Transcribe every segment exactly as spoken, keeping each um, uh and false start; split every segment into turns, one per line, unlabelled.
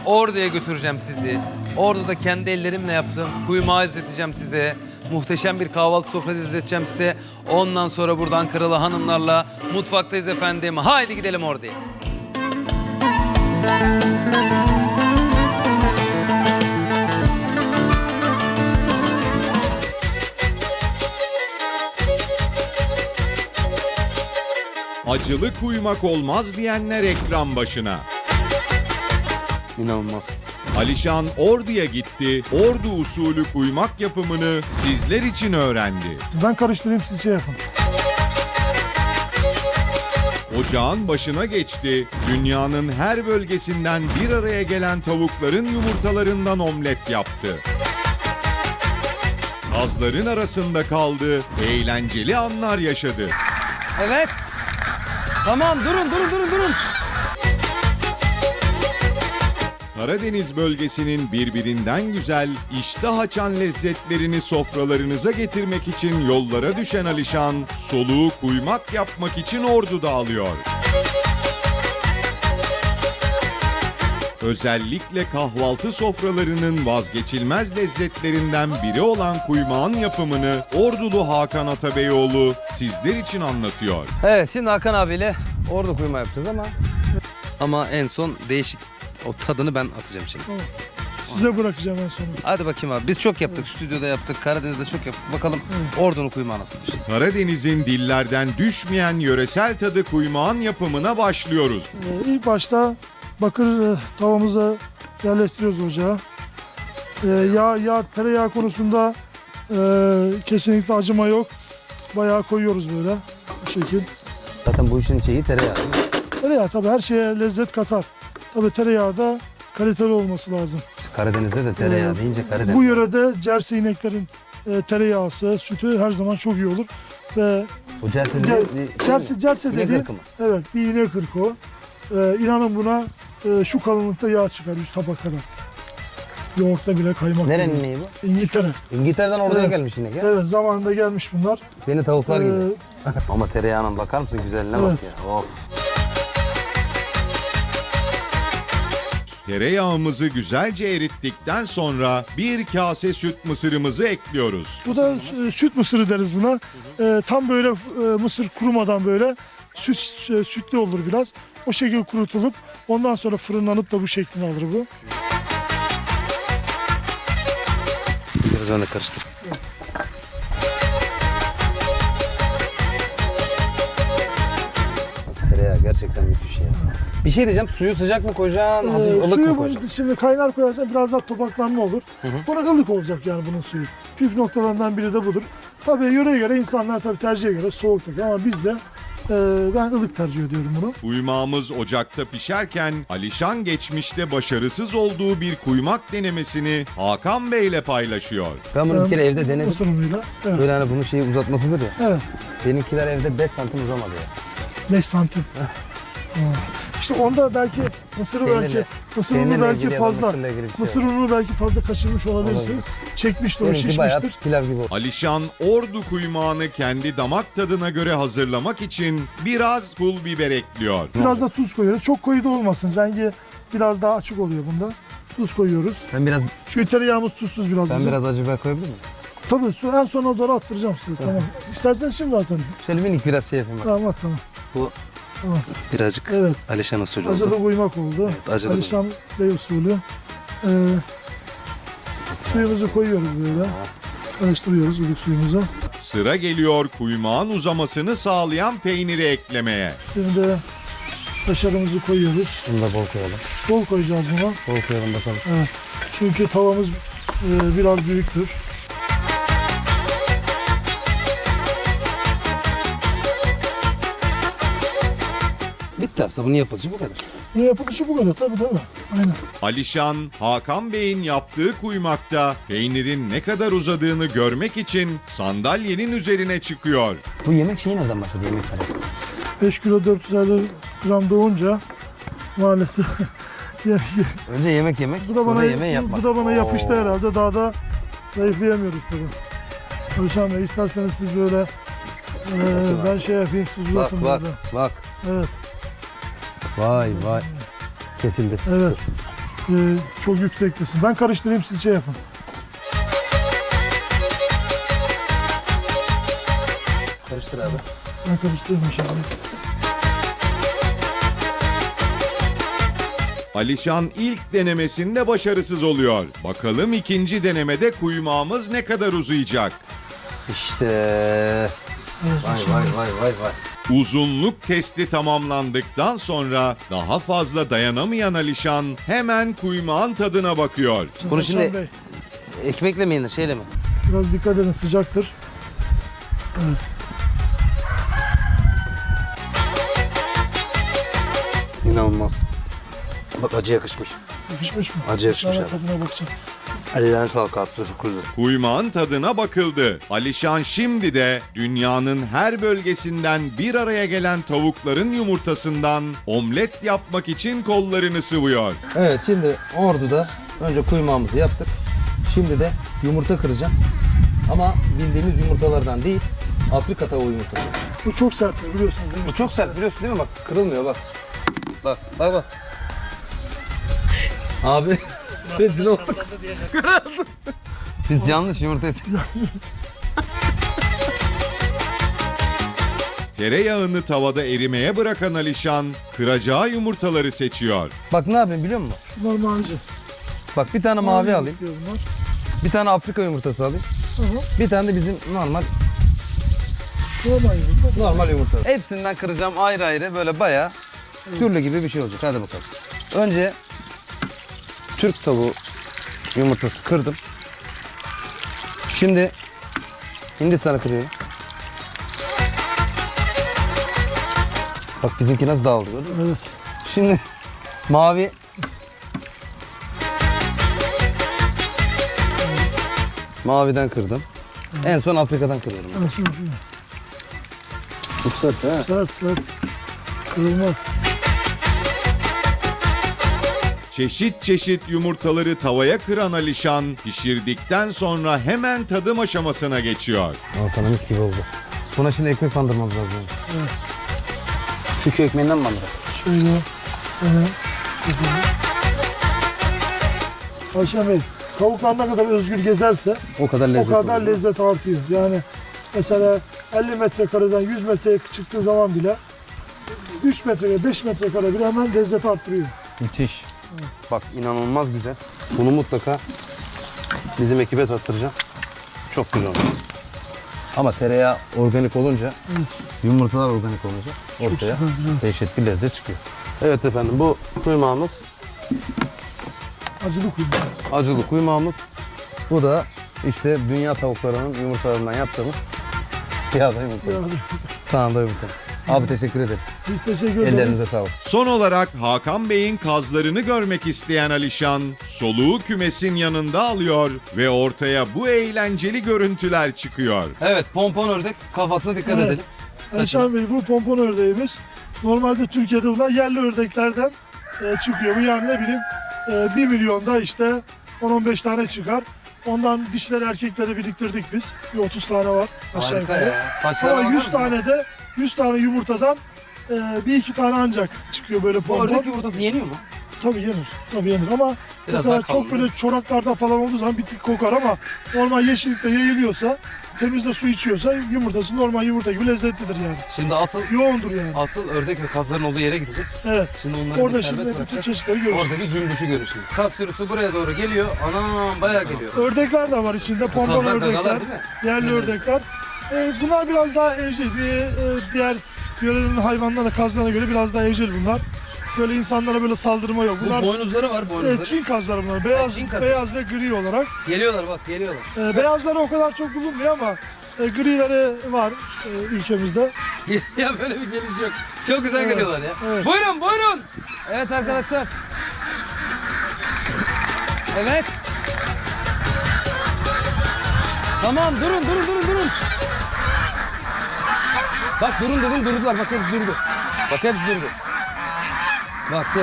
Ordu'ya götüreceğim sizi. Orada da kendi ellerimle yaptığım kuymağı izleteceğim size. Muhteşem bir kahvaltı sofrası izleteceğim size. Ondan sonra buradan Kralı hanımlarla mutfaktayız efendim. Haydi gidelim Ordu'ya.
Acılı kuymak olmaz diyenler ekran başına.
İnanılmaz.
Alişan Ordu'ya gitti, Ordu usulü kuymak yapımını sizler için öğrendi.
Ben karıştırayım, siz şey yapın.
Ocağın başına geçti, dünyanın her bölgesinden bir araya gelen tavukların yumurtalarından omlet yaptı. Kazların arasında kaldı, eğlenceli anlar yaşadı.
Evet. Tamam durun durun durun durun.
Karadeniz bölgesinin birbirinden güzel, iştah açan lezzetlerini sofralarınıza getirmek için yollara düşen Alişan, soluğu kuymak yapmak için Ordu'da alıyor. Özellikle kahvaltı sofralarının vazgeçilmez lezzetlerinden biri olan kuymağın yapımını Ordulu Hakan Atabeyoğlu sizler için anlatıyor.
Evet, şimdi Hakan abiyle orada kuyma yapacağız ama ama en son değişik o tadını ben atacağım şimdi.
Size bırakacağım en sonunda.
Hadi bakayım abi. Biz çok yaptık. Stüdyoda yaptık. Karadeniz'de çok yaptık. Bakalım Ordu'nun kuymağı nasıldır?
Karadeniz'in dillerden düşmeyen yöresel tadı kuymağın yapımına başlıyoruz.
Ee, ilk başta bakır e, tavamıza yerleştiriyoruz ocağa. Ee, yağ, yağ, tereyağı konusunda e, kesinlikle acıma yok. Bayağı koyuyoruz böyle bu şekil.
Zaten bu işin şeyi tereyağı değil mi?
Tereyağı tabii her şeye lezzet katar. Tabii tereyağı da kaliteli olması lazım.
Biz Karadeniz'de de tereyağı
Ee,
deyince Karadeniz.
Bu yörede cerse ineklerin e, tereyağısı, sütü her zaman çok iyi olur. Ve
Bu cerse
Cer-
dediğin bir şey
cerse,
mi?
cerse
İnek
dediği,
ırkı mı?
evet bir inek ırkı o. Ee, inanın buna e, şu kalınlıkta yağ çıkar yüz tabak kadar. Yoğurtta bile kaymak.
Nerenin
gibi.
ineği bu?
İngiltere.
İngiltere'den Ordu'ya
Evet.
gelmiş inek ya.
Evet zamanında gelmiş bunlar.
Seni tavuklar gibi.
Ee,
Ama tereyağına bakar mısın güzelliğine bak
Evet.
ya. Of.
Tereyağımızı güzelce erittikten sonra bir kase süt mısırımızı ekliyoruz.
Bu da e, süt mısırı deriz buna. Ee, tam böyle e, mısır kurumadan böyle süt e, sütlü olur biraz. O şekilde kurutulup ondan sonra fırınlanıp da bu şeklini alır bu.
Biraz ben de karıştır. Tereyağı gerçekten müthiş ya. Bir şey diyeceğim, suyu sıcak mı koyacaksın, hafif
Ee,
ılık
suyu
mı
bu-
koyacaksın?
şimdi kaynar koyarsan biraz daha topaklanma olur. Buna ılık olacak yani bunun suyu. Püf noktalarından biri de budur. Tabii yöreye göre insanlar tabii tercihe göre soğuk takıyor ama biz de e, ben ılık tercih ediyorum bunu.
Kuymağımız ocakta pişerken Alişan geçmişte başarısız olduğu bir kuymak denemesini Hakan Bey ile paylaşıyor.
Ben bunu bir
Ee,
kere evde denedim.
Mısır unuyla. Evet.
Böyle hani bunun şeyi uzatmasıdır ya.
Evet.
Benimkiler evde beş santim uzamadı ya.
beş santim. Ha. İşte onda belki mısır
Peynirle-
belki mısır
peynirle
unu belki
ilgili ya da
fazla.
mısırla ilgili bir şey
Mısır
var.
ununu belki fazla kaçırmış olabilirsiniz. Çekmiştir, o
Benimki bayağı
şişmiştir.
pilav gibi oldu.
Alişan Ordu kuymağını kendi damak tadına göre hazırlamak için biraz pul biber ekliyor.
Biraz da tuz koyuyoruz. Çok koyu da olmasın. Rengi biraz daha açık oluyor bunda. Tuz koyuyoruz.
Ben biraz
Çünkü tereyağımız tuzsuz biraz
ben
bizim.
biraz acı biber koyabilir miyim?
Tabii su en sona doğru attıracağım size. Tamam. İsterseniz şimdi atın.
Şöyle minik biraz şey yapayım bak.
Tamam at tamam.
Bu
Tamam.
birazcık
Evet.
Alişan usulü
Acılı
oldu.
kuymak oldu.
Evet, acılı
Alişan Bey usulü. Ee, suyumuzu koyuyoruz böyle. Karıştırıyoruz ılık suyumuzu.
Sıra geliyor kuymağın uzamasını sağlayan peyniri eklemeye.
Şimdi kaşarımızı koyuyoruz.
Bunu da bol koyalım.
Bol koyacağız buna.
Bol koyalım bakalım.
Evet. Çünkü tavamız e, biraz büyüktür.
Bitti aslında bunun yapılışı bu kadar.
Ne yapılışı bu kadar tabii değil mi? Aynen.
Alişan, Hakan Bey'in yaptığı kuymakta peynirin ne kadar uzadığını görmek için sandalyenin üzerine çıkıyor.
Bu yemek şeyi nereden başladı yemek tarifi?
beş kilo dört yüz elli gram doğunca maalesef ye- ye-
Önce yemek yemek,
bu da
sonra
bana
yemeği yapmak.
bu da bana yapıştı
Oo.
herhalde. Daha da zayıflayamıyoruz tabii. Alişan Bey isterseniz siz böyle e, ben şey yapayım siz
Bak
uzatın
bak
böyle.
bak.
Evet.
Vay vay. Kesildi.
Evet. e, çok yükseklesin. Ben karıştırayım, siz şey yapın.
Karıştır abi.
Ben karıştırayım inşallah.
Alişan ilk denemesinde başarısız oluyor. Bakalım ikinci denemede kuymağımız ne kadar uzayacak?
İşte.
Evet,
Vay
inşallah.
vay vay vay vay.
Uzunluk testi tamamlandıktan sonra daha fazla dayanamayan Alişan hemen kuymağın tadına bakıyor.
Bunu
Hasan
şimdi-
Bey,
Ekmekle mi yenir şeyle mi?
biraz dikkat edin, sıcaktır. Evet.
İnanılmaz. Bak acı yakışmış.
Yakışmış mı?
Acı yakışmış
Ben
abi.
tadına bakacağım.
Ellerine sağlık abi. Teşekkür ederim.
Kuymağın tadına bakıldı. Alişan şimdi de dünyanın her bölgesinden bir araya gelen tavukların yumurtasından omlet yapmak için kollarını sıvıyor.
Evet şimdi Ordu'da önce kuymağımızı yaptık. Şimdi de yumurta kıracağım. Ama bildiğimiz yumurtalardan değil, Afrika tavuğu yumurtası.
Bu çok sert biliyorsunuz değil mi?
Bu çok sert biliyorsun değil mi? Bak kırılmıyor bak. Bak bak bak. Abi rezil olduk. Biz yanlış yumurta yedik.
Tereyağını tavada erimeye bırakan Alişan kıracağı yumurtaları seçiyor.
Bak ne yapayım biliyor musun?
Şunlar mavici.
Bak bir tane mavi alayım.
Bunlar.
Bir tane Afrika yumurtası alayım.
Aha.
Bir tane de bizim normal
Normal yumurta.
normal yumurta. Hepsinden kıracağım ayrı ayrı böyle bayağı türlü gibi bir şey olacak. Hadi bakalım. Önce Türk tavuğu yumurtası kırdım. Şimdi Hindistan'ı kırıyorum. Bak bizimki nasıl dağıldı gördün mü?
Evet.
Şimdi mavi maviden kırdım. En son Afrika'dan kırıyorum.
Ben sana yapayım.
Çok sert ha.
Sert sert. Kırılmaz.
Çeşit çeşit yumurtaları tavaya kıran Alişan pişirdikten sonra hemen tadım aşamasına geçiyor.
Al sana mis gibi oldu. Buna şimdi ekmek bandırmamız lazım.
Evet.
Şu köy ekmeğinden mi bandıralım?
Şöyle. Evet. Ayşe Bey, tavuklar ne kadar özgür gezerse
O kadar
o
lezzetli
kadar
olur.
lezzet artıyor. Yani mesela elli metrekareden yüz metreye çıktığı zaman bile üç metrekare, beş metrekare bile hemen lezzet arttırıyor.
Müthiş. Bak inanılmaz güzel. Bunu mutlaka bizim ekibe tattıracağım. Çok güzel oldu. Ama tereyağı organik olunca, yumurtalar organik olunca ortaya
süper, güzel.
dehşet bir lezzet çıkıyor. Evet efendim bu kuymağımız,
Acılı kuyruğumuz.
acılı kuymağımız. Bu da işte dünya tavuklarının yumurtalarından yaptığımız yağda yumurta.
Yani
Sağında yumurta. Abi teşekkür ederiz.
biz teşekkür ederiz.
Ellerinize sağlık.
Son olarak Hakan Bey'in kazlarını görmek isteyen Alişan soluğu kümesin yanında alıyor ve ortaya bu eğlenceli görüntüler çıkıyor.
Evet pompon ördek kafasına dikkat
Evet.
edelim.
Ayşe Bey, bu pompon ördeğimiz normalde Türkiye'de bulunan yerli ördeklerden e, çıkıyor. Bu yani ne bileyim e, bir milyonda işte on on beş tane çıkar. Ondan dişleri erkekleri biriktirdik biz. Bir otuz tane var aşağı
Harika
yukarı.
ya. Saçlarına
Ama
bakar
yüz
mısın?
tane de yüz tane yumurtadan e, bir iki tane ancak çıkıyor böyle
Bu
pompon.
ördek yumurtası yeniyor mu?
Tabii yenir. Tabii yenir ama
Biraz
mesela
daha
çok
kalın,
böyle çoraklarda falan olduğu zaman bir tık kokar ama normal yeşillikte yayılıyorsa, temizde su içiyorsa yumurtası normal yumurta gibi lezzetlidir yani.
Şimdi asıl
Yoğundur yani.
asıl ördek ve kazların olduğu yere gideceğiz.
Evet.
Şimdi onları
Orada
bir
şimdi
serbest
bütün
bırakacağız.
çeşitleri görürsünüz.
Oradaki cümbüşü görür şimdi. Kaz sürüsü buraya doğru geliyor. Anam bayağı geliyor.
Ördekler de var içinde. Pompon
Kazlar,
ördekler,
gagalar değil mi?
yerli ördekler. Ee, bunlar biraz daha evcil. Bir, e, diğer yörenin hayvanlarına, kazlarına göre biraz daha evcil bunlar. Böyle insanlara böyle saldırma yok. Bunlar
Bu boynuzları var
e,
boynuzları.
Çin kazları bunlar. Beyaz,
Çin kazı.
beyaz ve gri olarak.
Geliyorlar bak geliyorlar.
E, beyazları o kadar çok bulunmuyor ama e, grileri var e, ülkemizde.
Ya böyle bir geliş yok. Çok güzel
Evet,
geliyorlar ya.
evet.
Buyurun buyurun. Evet arkadaşlar. Evet. Tamam durun durun durun durun. Bak durun dedim durdular. Bak hepsi durdu. Bak hepsi durdu. Bak çek.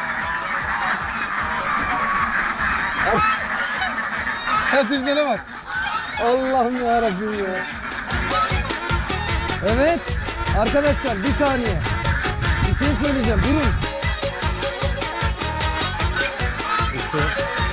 Hepsine bak. Allah'ım yarabbim ya. Evet. Arkadaşlar bir saniye. Bir şey söyleyeceğim. Durun.
ortaya.